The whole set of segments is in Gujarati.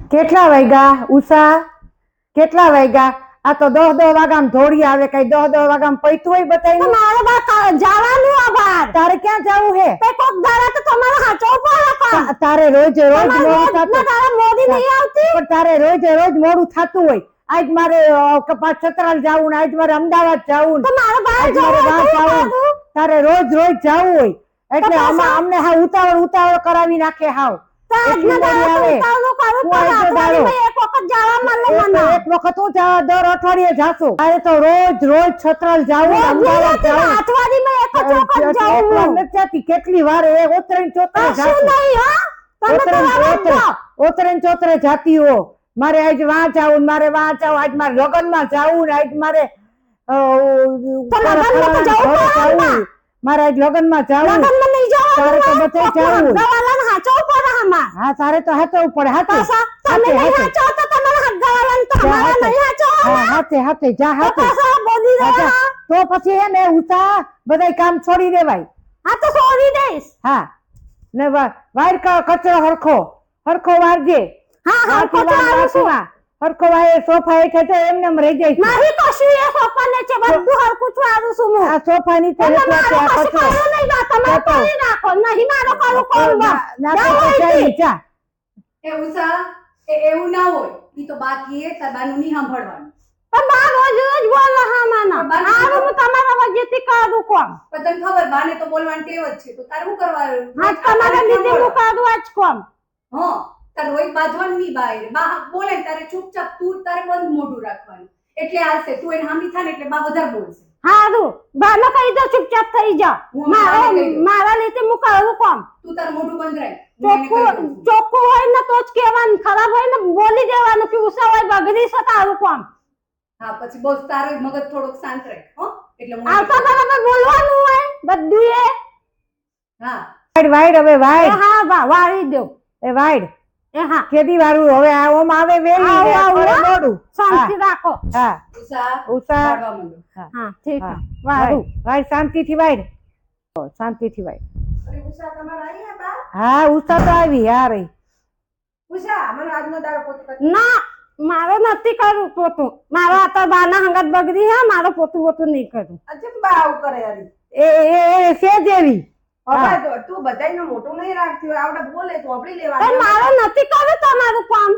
કેટલા વાગ્યા ઉષા? કેટલા વાગ્યા? આ તો 10 વાગ્યામાં ધોળી આવે. કઈ 10 વાગ્યામાં પૈતું હોય બતાઈ? મારે બા જવાનું આ બાર. તારે ક્યાં જવું હે? તે કોક દાડા તો તમારે હાચો પડે. તારે રોજ મોડું થતું. તારે મોડી નહીં આવતી. પણ તારે રોજ મોડું થતું હોય. આજ મારે કપાસ છતરાલ જાવું ને આજ મારે અમદાવાદ જાવું તો મારે બહાર જવું. તારે રોજ જવું હોય એટલે અમને હા ઉતાવળ કરાવી નાખે. હાવ એક વખત હું દર અઠવાડિયે જાશું. તારે તો રોજ છતરાલ જાવું, અમદાવાદ જાવું. કેટલી વાર ઓતરે ચોતરે જાતી હો. મારે આજ વાં જાવું, મારે આજ મારે લગ્નમાં જાવું ને આજ મારે આજ લગ્નમાં જાવું. તારે તો બધે જાવું. હા તારે તો હાચવું પડે. હાથે જા હાથે. તો પછી હે ને ઉષા બધાય કામ છોડી દેવાય. હા તો છોડી દઈશ. હા ને વાયર કચરો હરખો વારજે. હરખો વાય સોફા હેઠે એમને રહી જાય. મારી કશું એ સોફા ને છે બધું હરખું છવારું છું હું. આ સોફા ની તમે કચરો નહીં બા તમે કરી નાખો. નહીં મારો કરું કોણ બા. જા એ ઉષા એવું ના હોય. ઈ તો બાકી એ તબાનું નહીં સાંભળવાનું. પણ બા રોજ બોલો હા માના. આવું હું તમારા વજેથી કરું કોમ. પણ તને ખબર બાને તો બોલવાની ટેવ જ છે. તો તારે શું કરવાનું? હા તમારા લીધે હું કરું આજ કોમ. હા તારે રોજ બાજવાનું નહીં બહાર. બા બોલે તારે ચૂપચાપ તું તારે બંધ મોઢું રાખવાનું. એટલે હાલશે. તું એને હામી થાય ને એટલે બા વધારે બોલશે. હારું બાને કહી દો ચૂપચાપ થઈ જા. મારા લીધે હું કરું કોમ. તું તારું મોઢું બંધ રાખ. ચોખ્ખું હોય ને તો જ કહેવાનું. ખરાબ હોય ને બોલી દેવાનું કે ઉષા હોય બગડી છે તારું કોમ. હા પછી બસ તારો મગજ થોડોક શાંત રાખ. હો એટલે આવતા બરાબર બોલવાનું હોય બધું એ. હા વાઈડ હવે વાઈડ. હા બા વાળી દો. એ વાઈડ એ હા કેદી વાળું હવે ઓમ આવે વેલી મોડું. શાંતિ રાખો. હા ઉષા ઉષા હા ઠીક છે વાળું. વાઈડ શાંતિથી વાઈડ. શાંતિથી વાઈડ. અરે ઉષા તમાર આયા બા? હા ઉષા તો આવી. હા રહી ઉષા મને આજનો દાડો પોતે ના મારો નથી કરવું પોતું. મારો આ તો બાના હંગત બગડી હે. મારો પોતું નહીં કરું. અજબ બા આવું કરે યાર. એ છે જેવી. હવે તું બધાયનું મોટું નહીં રાખતી હોય. આવડે બોલે તો આપડી લેવાનું. પણ મારો નથી કરવું તમારું કામ.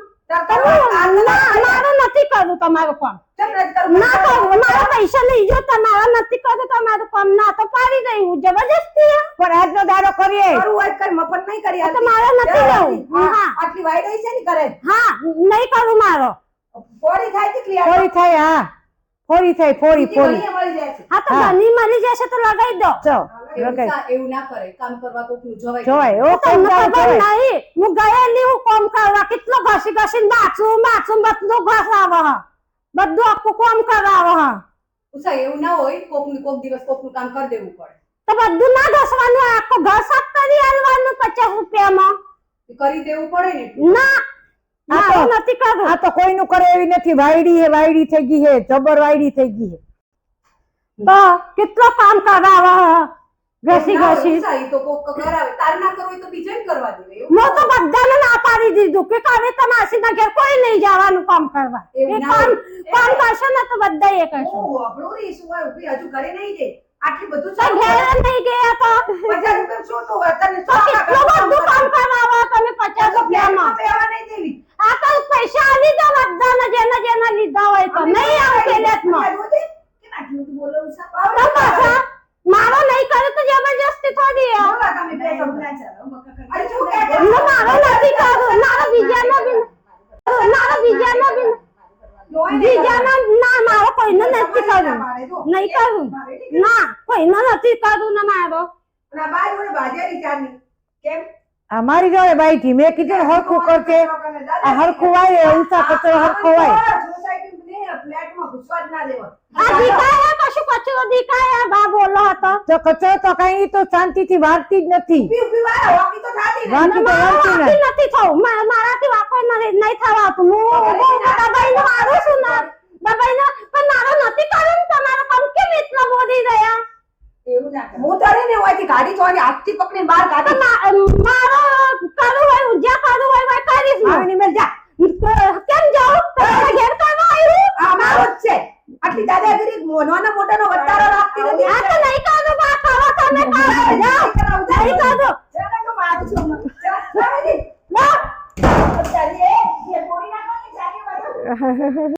મારો નથી કરવું તમારું કામ. ના કરું. મારા પૈસા લઈ જો. તમારા નથી કરવું તમારું કામ. ના તો પાડી દઈ હું જબરજસ્તી. પણ આજનો દાડો કરીએ. કરું હોય કર મફત નહીં કરી. તો મારો નથી લેવું. હા આટલી વાઈડ છે ને કરે. હા નહીં કરું મારો. ફોડી થાય છે ક્લિયર. ફોડી થાય. હા ફોડી થાય. ફોડી મળી જાય છે. હા તો બની મળી જશે તો લગાઈ દો. એવું ના કરે. કામ કરવા કોકનું જોવાય. જોવાય ઓ તમને ખબર નહીં હું ગયેલી હું કામ કરવા. કેટલો ઘસી બાથરૂમ બધું ઘસાવે. બધું આખું કામ કરાવે. ઉષા એવું ના હોય. કોક દિવસ કોકનું કામ કરી દેવું પડે. તો બધું ના ઘસવાનું. આખું ઘર સાફ કરી આલવાનું 50 રૂપિયામાં. કરી દેવું પડે ને. ના મારું નથી કરવું. આ તો કોઈનું કરે એવી નથી. વાયડી થઈ ગઈ હે. જબર વાયડી થઈ ગઈ હે. તો કેટલો કામ કરાવે. ઘસી ઉષા તો કોક કરાવે. તાર ના કરવું તો બીજાને કરવા દે. હું તો બધાને ના પાડી દીધું કે કાલે તમાસીના ઘેર કોઈ નહીં જવાનું કામ કરવા. એ કામ કરશે ને તો બધા એ કરશે. આપણું રે શું હોય ઉભી હજુ ઘરે નહીં દે. આટલી બધું તો ઘેર નહીં ગયા તો 50 રૂપિયા શું તો તને તો કેટલું બધું કામ કરાવો તમે 50 રૂપિયામાં. પેવા નહીં દેવી. આ તો પૈસા આલી દો બધાને જેના લીધા હોય તો. નહીં આવે પેલેટમાં. આટલું તું બોલો ઉષા. તો પાછા મારો નહીં કરે તો જબરજસ્તી થોડી હે. તમે બે સમજાય છે. અરે શું કે મારો નથી કરવું. મારો બીજાનો બી ના મારો કોઈને નથી કરવું. નહીં કરું. ના કોઈને નથી કરવું ને મારો. ના બાય ઓને બાજારી ચાની કેમ અમારી જોડે બાઈ થી મેં કીધું હરખું કરતે. આ હરખું વાય ઉષા કચરો હરખો વાય. સોસાયટી ને ફ્લેટમાં ઘુસવા જ ના દેવા. આ દીકાયા કશું કચરો દીકાયા બા બોલો હતો. તો કચરો તો કઈ તો શાંતિથી વાળતી જ નથી. ઉભી વાર હોકી તો થાતી ને. વાંકી તો વાળતી નથી થવું. મારાથી વાકો નહીં થવાતું. હું દબાઈને મારું છું ને દબાઈને. પણ મારો નથી કરવું. તમારો કામ કેમ એટલા બોલી રહ્યા. એવું ના કર. હું તારે ને હોયથી ગાડી ચોરી હાથથી પકડીને બહાર કાઢી. મારો કરવું હોય ઉજ્યા કરવું હોય કરીશ. આવીને મેલ જા. નહીં કરું. લો.